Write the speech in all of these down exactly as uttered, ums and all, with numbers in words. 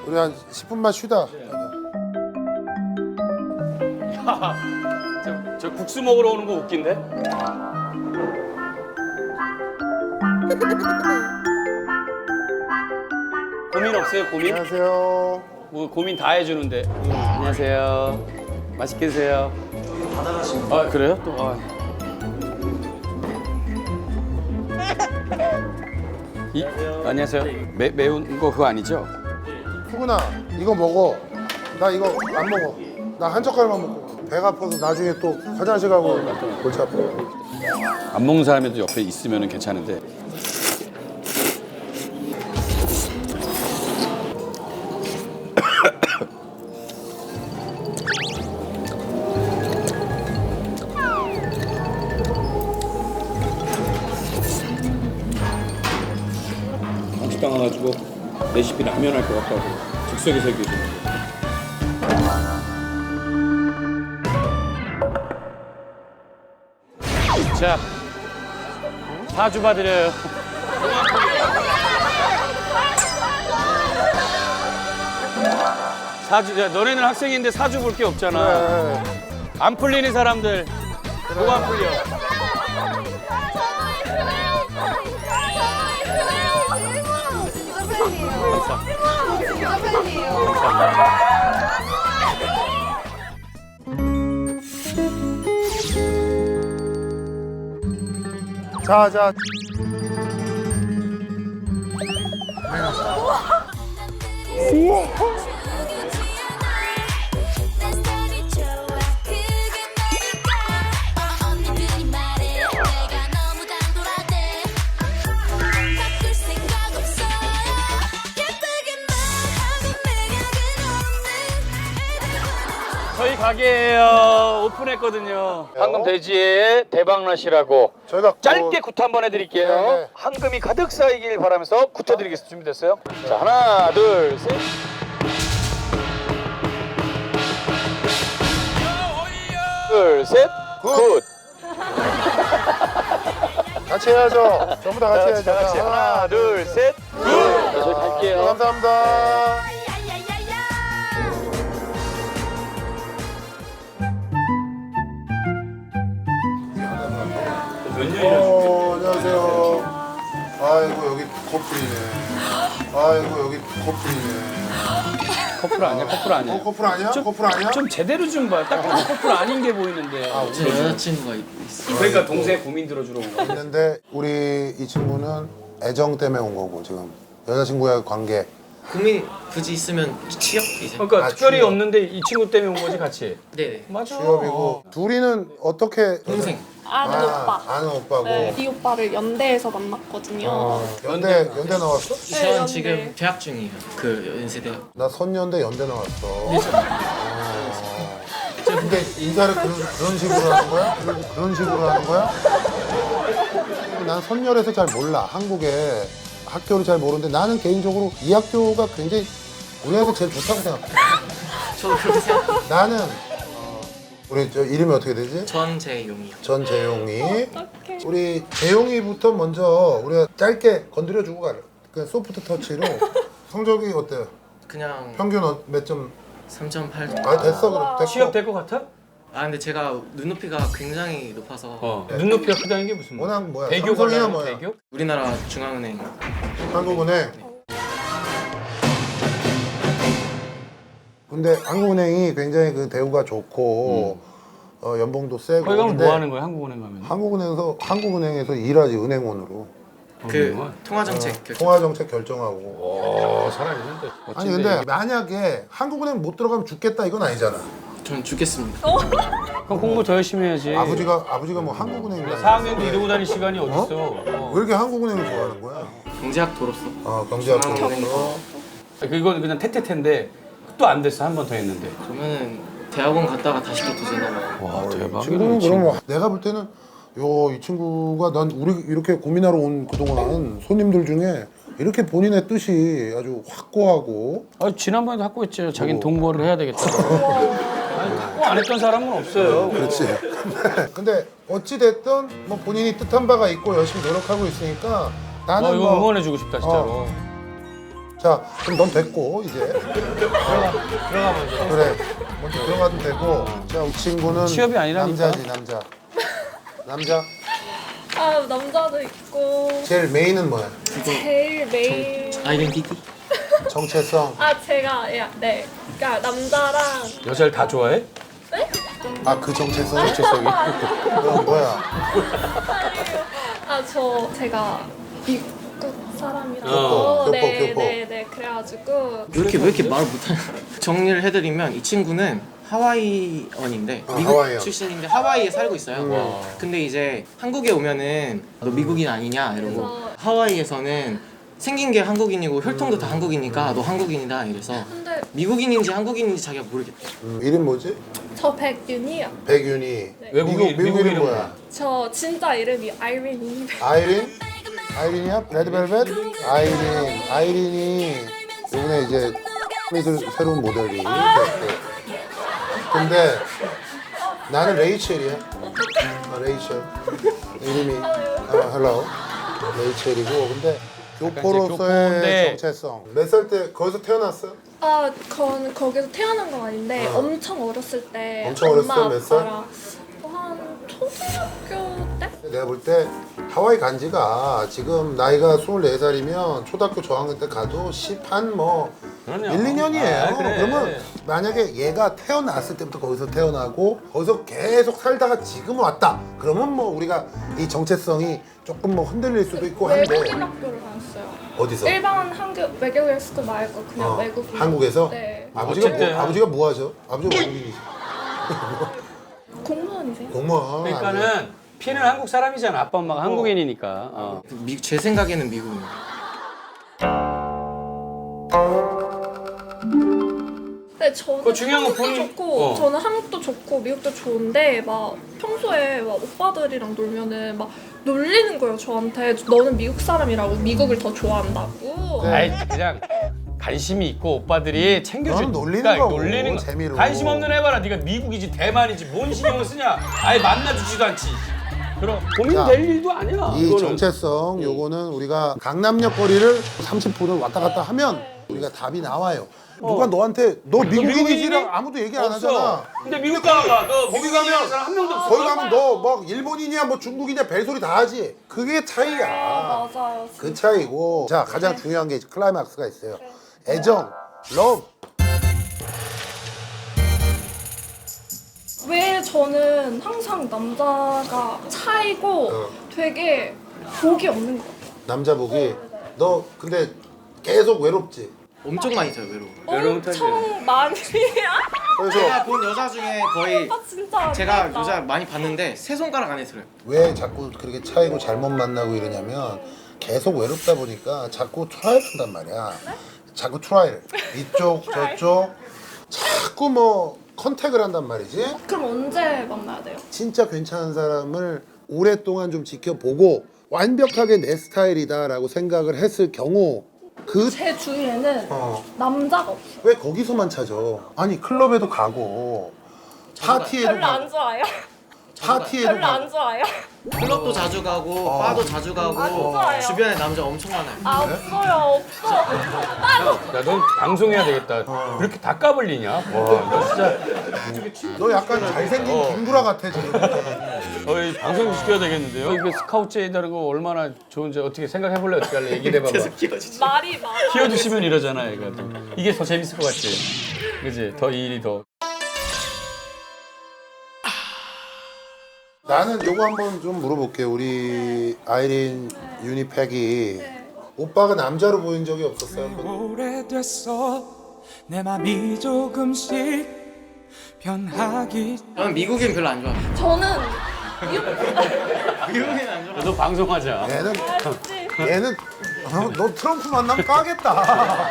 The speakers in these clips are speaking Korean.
우리 한 십 분만 쉬다. 저, 저 국수 먹으러 오는 거 웃긴데? 고민 없어요, 고민? 안녕하세요. 뭐 고민 다 해주는데. 음, 안녕하세요. 맛있게 드세요. 아 그래요? 또 아. 이, 안녕하세요. 매, 매운 거 그거 아니죠? 후근아, 이거 먹어. 나 이거 안 먹어. 나 한 젓갈만 먹고. 배가 아파서 나중에 또 화장실 가고 골치 아파. 안 먹는 사람이도 옆에 있으면 괜찮은데. 한식당 와가지고 레시피 라면 할 것 같다고 즉석에서 얘기해 주는 거. 자, 사주 봐드려요. 사주, 야, 너네는 학생인데 사주 볼 게 없잖아. 네. 안 풀리는 사람들, 뭐가 안 풀려? 자, 자. 저희 가게예요. 오픈했거든요. 황금 돼지의 대박낫이라고 저희가 짧게 굿 한번 해드릴게요. 네, 네. 황금이 가득 쌓이길 바라면서 굿해드리겠습니다. 준비됐어요? 자, 하나, 둘, 셋. 둘, 셋. 굿. 같이 해야죠. 전부 다 같이 해야죠. 자, 같이. 하나, 둘, 셋. 굿. 자, 저희 갈게요. 감사합니다. 몇 년이나 어, 안녕하세요. 아이고 여기 커플이네. 아이고 여기 커플이네. 커플 아니야? 커플 아니야? 어 커플 아니야? 커플 아니야? 좀 제대로 좀 봐. 딱 봐도 커플 아닌 게 보이는데. 제 여자친구가 있- 있어요. 그러니까 동생 고민 들어주러 온 거야. 있는데 우리 이 친구는 애정 때문에 온 거고 지금 여자친구와의 관계. 고민 굳이 있으면 취업 이제. 그러니까 아, 특별히 취업. 없는데 이 친구 때문에 온 거지 같이. 네네. 맞아. 취업이고 둘이는 어떻게 동생. 아는 아, 오빠. 아는 오빠고. 네, 이 오빠를 연대에서 만났거든요. 어, 연대 연대 나왔어? 저는 연대. 지금 재학 중이에요. 그 연세대학. 나 선연대 연대 나왔어. 어. 근데 인사를 그런, 그런 식으로 하는 거야? 그런, 그런 식으로 하는 거야? 난 선열에서 잘 몰라. 한국에 학교를 잘 모르는데 나는 개인적으로 이 학교가 굉장히 우리나라에서 제일 좋다고 생각해. 저도 그렇게 생각. 나는 어, 우리 저 이름이 어떻게 되지? 전재용이요. 전재용이. 어떡해. 우리 재용이부터 먼저 우리가 짧게 건드려주고 가려. 그 소프트 터치로 성적이 어때요? 그냥 평균 어- 몇 점? 삼 점 팔. 아 됐어 그럼 됐고. 취업 될 것 같아? 아 근데 제가 눈높이가 굉장히 높아서 어. 눈높이가 크다는 게 무슨 말이야? 워낙 뭐야? 대교 삼성이야 걸려 뭐야? 대교? 우리나라 중앙은행. 한국은행. 근데 한국은행이 굉장히 그 대우가 좋고 어, 연봉도 세고. 거기 가면 근데 뭐 하는 거야? 한국은행 가면? 한국은행에서 한국은행에서 일하지 은행원으로 그 정말? 통화정책 결정. 통화 정책 결정하고. 어, 살아있는데. 아니 근데 만약에 한국은행 못 들어가면 죽겠다 이건 아니잖아. 전 죽겠습니다. 그럼 공부 더 열심히 해야지. 아버지가 아버지가 뭐 한국은행이야. 사 학년도 이러고 다닐 시간이 어딨어? 어? 왜 이렇게 한국은행을 좋아하는 거야? 경제학도로서. 어 경제학도로서. 이건 그냥 태태태인데 또 안 됐어. 한 번 더 했는데. 그러면은 대학원 갔다가 다시 또 도전하고. 와 대박이다. 지금은 그럼 내가 볼 때는 요 이 친구가 난 우리 이렇게 고민하러 온 그동안 손님들 중에 이렇게 본인의 뜻이 아주 확고하고 아, 지난번에도 학고 했죠. 자기는 동거를 해야 되겠다. 아니, 학고 안 했던 사람은 없어요. 그렇지. 근데, 근데 어찌 됐든 뭐 본인이 뜻한 바가 있고 열심히 노력하고 있으니까 나는 어, 이거 뭐 응원해주고 싶다 진짜로. 어. 자, 그럼 넌 됐고 이제 들어가 들어가 먼저. 그래, 먼저 들어가도 되고. 자, 이 친구는 취업이 아니라니까. 남자지 남자. 남자. 아 남자도 있고 제일 메인은 뭐야? 제일 메인 아이덴티티? 정체성. 아 제가 야, 네 그러니까 남자랑 여자를 다 좋아해? 아, 그 정체성. 정체성이? 그럼 뭐야? 아 저 제가 미국 사람이라서 어, 교포, 네, 교포. 네, 네 그래가지고 왜 이렇게 왜 이렇게 말을 못하냐? 정리를 해드리면 이 친구는 하와이언인데 아, 미국 하와이언. 출신인데 하와이에 살고 있어요. 음. 근데 이제 한국에 오면은 너 미국인 아니냐 이러고 그래서- 하와이에서는 생긴 게 한국인이고 혈통도 다 한국이니까 너 한국인이다 이래서 근데 미국인인지 한국인인지 자기가 모르겠대. 음, 이름 뭐지? 저 백윤이요. 백윤이. 네. 외국인, 미국, 미국 미국 이름 이름 뭐야? 저 진짜 이름이 아이린이. 아이린? 아이린이야? 레드벨벳? 아이린. 아이린이 요번에 이제 미들 새로운 모델이 됐고. 근데 나는 레이첼이야. 아, 레이첼. 이름이 아, 헬로. 레이첼이고. 근데 교포로서의 교포인데. 정체성. 몇 살 때 거기서 태어났어? 아, 그건 거기서 태어난 건 아닌데 어. 엄청 어렸을 때 엄청 어렸을 엄마 때 몇 살? 아빠랑 한 초등학교 때? 내가 볼 때 하와이 간 지가 지금 나이가 스물네 살이면 초등학교 저학년 때 가도 십한 뭐 그럼요. 일, 이 년이에요. 아, 그래. 그러면 만약에 얘가 태어났을 때부터 거기서 태어나고 거기서 계속 살다가 지금 왔다. 그러면 뭐 우리가 이 정체성이 조금 뭐 흔들릴 수도 있고 한데 외국인 학교를 다녔어요. 어디서? 일반 한국 외국인 스쿨 말고 그냥 어, 외국인. 한국에서? 네. 아버지가 뭐, 어쨌든. 아버지가 뭐 하죠? 아버지가 외국인이시. 공무원이세요? 공무원. 그러니까는 피는 한국 사람이잖아. 아빠 엄마가 한국인이니까. 어. 미, 제 생각에는 미국인. 네, 저는 그거 중요한 건 한국도 본인- 좋고 어. 저는 한국도 좋고 미국도 좋은데 막 평소에 막 오빠들이랑 놀면은 막 놀리는 거예요 저한테. 너는 미국 사람이라고 미국을 더 좋아한다고. 네. 아이 그냥 관심이 있고 오빠들이 챙겨주니까 그건 놀리는 거고, 놀리는 거. 재미로. 관심 없는 해봐라. 네가 미국이지 대만이지 뭔 신경을 쓰냐. 아예 만나주지도 않지. 그럼 자, 고민될 일도 아니야. 이 이거는. 정체성 요거는 우리가 강남역 거리를 삼십 분을 왔다 갔다 하면 우리가 답이 나와요. 누가 너한테 너 미국인이지랑 미국인이니? 아무도 얘기 안 없어. 하잖아. 근데 미국 가봐. 너 거기 미국 가면 가면 사람 한 명도 없어. 거기 가면 너 막 일본인이야 뭐 중국이냐 별소리 다 하지. 그게 차이야. 아, 맞아요. 그 차이고. 자, 가장 중요한 게 클라이막스가 있어요. 애정, 러브. 왜 저는 항상 남자가 차이고 어. 되게 복이 없는 것 같아요. 남자복이 너 근데 계속 외롭지. 엄청 많이 타요 외로워. 외로운 타입이야. 엄청 많이. 그래서 제가 본 여자 중에 거의 아 진짜 안 제가 되겠다. 여자 많이 봤는데 세 손가락 안에 들어요. 왜 자꾸 그렇게 차이고 잘못 만나고 이러냐면 계속 외롭다 보니까 자꾸 트라이를 한단 말이야. 자꾸 트라이를. 이쪽 저쪽 자꾸 뭐 컨택을 한단 말이지. 그럼 언제 만나야 돼요? 진짜 괜찮은 사람을 오랫동안 좀 지켜보고 완벽하게 내 스타일이다라고 생각을 했을 경우 그 제 주위에는 어. 남자가 없어요. 왜 거기서만 찾아? 아니 클럽에도 가고 파티에도 별로 안 가고 좋아해요. 파티에도 별로 안 가고 좋아해요. 클럽도 자주 가고 어. 바도 자주 가고 안 좋아요. 주변에 남자 엄청 많아요. 아 없어요 없어. 야, 넌 방송해야 되겠다. 그렇게 다 까불리냐? 와, 너 진짜. 너 약간 잘생긴 어. 김구라 같아 지금. 어이 방송 시켜야 되겠는데요? 이거 스카우트에다가 얼마나 좋은지 어떻게 생각해볼래? 어떻게 할래? 얘기를 해봐봐. 계속 끼워지지. 말이 많아. 키워주시면 이러잖아, 얘가. 또. 이게 더 재밌을 것 같지? 그지? 더 이 일이 더. 나는 요거 한번 좀 물어볼게. 우리 아이린 유니팩이 네. 오빠가 남자로 보인 적이 없었어요? 한 번도? 오래됐어 내 맘이 조금씩 변하기 저는 미국인 별로 안 좋아해요. 저는 미국인 안 좋아해요. 너 방송하자. 얘는 알지. 얘는 어, 너 트럼프 만나면 까겠다.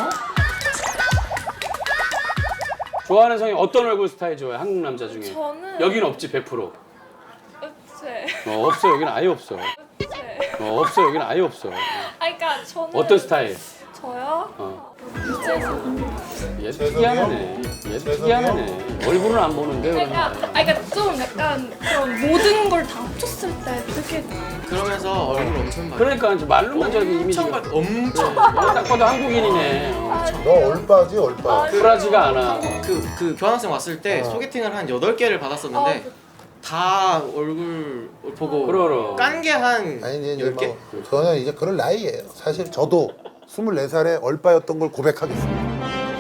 좋아하는 성이 어떤 얼굴 스타일 좋아해? 한국 남자 중에. 저는 여긴 없지, 백 퍼센트. 네. 어, 없어, 여기는 아예 없어. 네. 어, 없어, 여기는 아예 없어. 아 그러니까 저는 어떤 스타일? 저요? 어. 유재석. 얘 특이하네. 얘 특이하네. 얼굴은 안 보는데 그러니까, 그러면. 아, 그러니까 좀 약간 그런 모든 걸 다 합쳤을 때 되게 그러면서 얼굴 엄청 많이. 그러니까 이제 말로만 저렇게 이미지가 엄청 많이. 엄청. 딱 봐도 한국인이네. 너 얼빠지 얼빠. 쿨하지가 않아. 그, 그 교환학생 왔을 때 어. 소개팅을 한 여덟 개를 받았었는데 다 얼굴 보고 그러러. 깐 게 한 아니 이제 열 개? 뭐 저는 이제 그럴 나이예요. 사실 저도 스물네 살에 얼빠였던 걸 고백하겠습니다.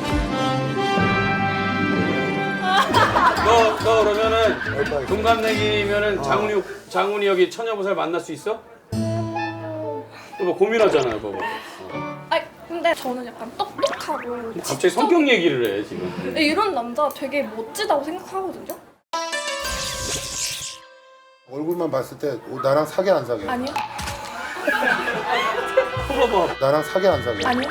너, 너 그러면은 얼빠. 동갑내기면은 장훈이 장훈이 여기 처녀보살 만날 수 있어? 뭐 고민하잖아, 그거. 아 근데 저는 약간 똑똑하고 갑자기 성격 얘기를 해 지금. 이런 남자 되게 멋지다고 생각하거든요. 얼굴만 봤을 때 어, 나랑 사귀 안 사귀? 아니요? 호버버, 나랑 사귀 안 사귀? 아니요?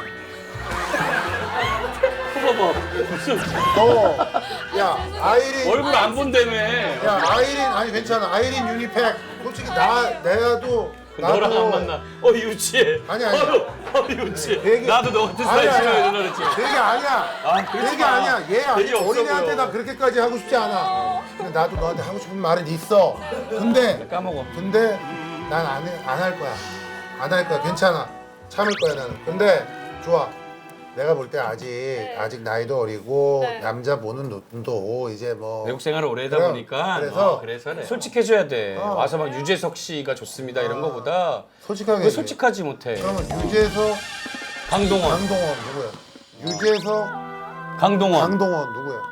호버버. 무슨 너, 야 아이린, 얼굴 안 본다며. 야 아이린 아니 괜찮아. 아이린 유니팩. 솔직히 나 내가도 너랑 안 만나. 어 유치해. 아니, 아니. 어, 어 유치해. 되게- 나도 너 같은 스타일 아니야, 싫어해 아니야. 누나 그랬지. 되게 아니야. 아, 그러지 되게 마. 아니야. 얘 아니 되게 없어 어린애한테 보여. 나 그렇게까지 하고 싶지 않아. 근데 나도 너한테 하고 싶은 말은 있어. 근데 까먹어. 근데 난 안 안 할 거야. 안 할 거야. 괜찮아. 참을 거야 나는. 근데 좋아. 내가 볼 때 아직 아직 나이도 어리고 네. 남자 보는 눈도 이제 뭐 외국 생활을 오래 하다 그래, 보니까 그래서- 어, 그래서 그래. 솔직해져야 돼. 어. 와서 막 유재석 씨가 좋습니다 이런 거보다 솔직하게 왜 솔직하지 못해? 그러면 유재석, 강동원, 강동원 누구야? 유재석, 강동원. 강동원 누구야?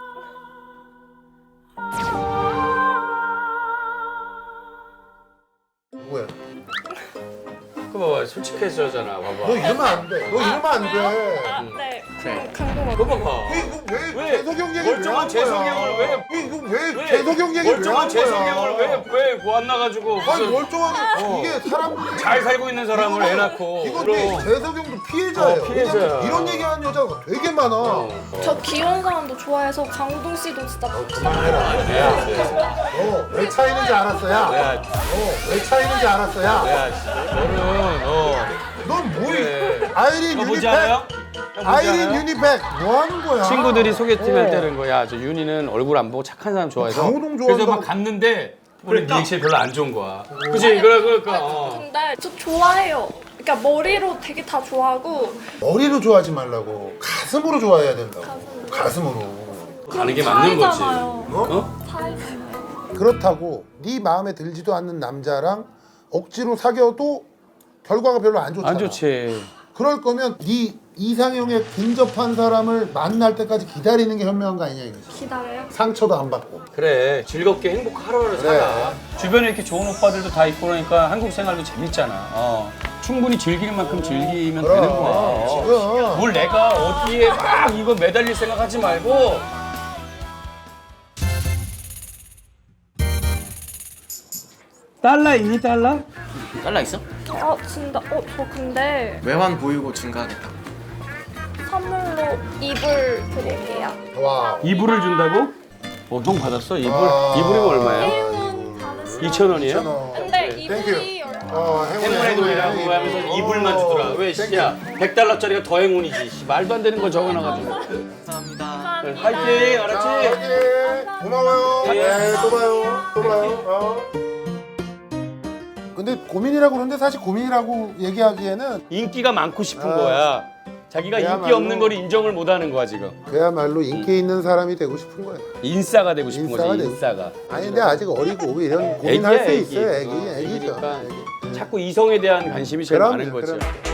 누구야? 그 봐봐 솔직해져잖아. 봐봐. 너 이러면 안 돼. 너 이러면 안 돼. 아, 네. 그래. 강동원. 그거 봐봐. 이거 왜, 왜? 재석형 얘기 왜 멀쩡한 한 재석이 거야? 형을 왜- 이거 왜, 왜? 재석형 얘기 왜 멀쩡한 한 재석이 거야? 형을 왜왜 만나가지고 아니 무슨 멀쩡하게 어. 이게 사람들이 잘 살고 있는 사람을 애 낳고. 이거 그럼. 재석형도 피해자예요. 어, 피해자야. 왜냐면 이런 얘기하는 여자가 되게 많아. 어. 저 귀여운 사람도 좋아해서 강동 씨도 진짜 그만해라. 어, 왜 차이는지 알았어, 야. 야, 어, 왜 차이는지 알았어, 야. 야, 너는 어. 넌 뭐, 그래. 아이린 너 보지 유니팩. 않아요? 형 보지 아이린 않아요? 유니팩 뭐 하는 거야? 친구들이 소개팅 어. 할 때는 거야. 저 윤이는 얼굴 안 보고 착한 사람 좋아해서. 강호동 그래서 좋아한다고. 막 갔는데 우리 리액션이 별로 안 좋은 거야. 그치? 그래, 그러니까. 어. 근데 저 좋아해요. 그러니까 머리로 되게 다 좋아하고 머리로 좋아하지 말라고. 가슴으로 좋아해야 된다고. 가슴으로. 가슴으로. 가는 게 맞는 거지. 사이잖아요. 어? 사이잖아요. 그렇다고 네 마음에 들지도 않는 남자랑 억지로 사귀어도 결과가 별로 안 좋잖아. 안 좋지. 그럴 거면 네 이상형에 근접한 사람을 만날 때까지 기다리는 게 현명한 거 아니냐 이거지. 기다려요. 상처도 안 받고. 그래. 즐겁게 행복 하루하루 그래. 살아. 주변에 이렇게 좋은 오빠들도 다 있고 그러니까 한국 생활도 재밌잖아. 어. 충분히 즐길 만큼 즐기면 그럼, 되는 거야. 어. 지금. 뭘 내가 어디에 막 이거 매달릴 생각하지 말고. 달러 있니 달러? 달라 있어? 아 진짜 어 저 근데 외환 보유고 증가하겠다. 선물로 이불 드릴게요. 와. 이불을 준다고? 어, 형 받았어? 이불? 아. 이불이면 얼마야? 행운 받으시면 이천 원이에요? 이천 원. 근데 오케이. 이불이 땡큐. 얼마? 어, 행운의 돈이라고 하면서 이불만 주더라. 왜, 씨, 야, 백 달러짜리가 더 행운이지. 씨, 말도 안 되는 걸 적어놔가지고. 감사합니다. 감사합니다. 화이팅! 자, 알았지? 화이팅! 고마워요. 예. 네, 또 봐요. 또 봐요. 어. 근데 고민이라고 그러는데 사실 고민이라고 얘기하기에는 인기가 많고 싶은 아. 거야. 자기가 인기 그야말로- 없는 걸 인정을 못 하는 거야, 지금. 그야말로 인기 있는 사람이 되고 싶은 거야. 인싸가 되고 싶은 인싸가 거지, 되고 인싸가. 아니 근데 아직 어리고 이런 고민할 애기야, 수 애기. 있어요. 애기, 어, 애기죠. 애기니까. 애기. 자꾸 이성에 대한 관심이 제일 그럼요, 많은 거지. 그럼요.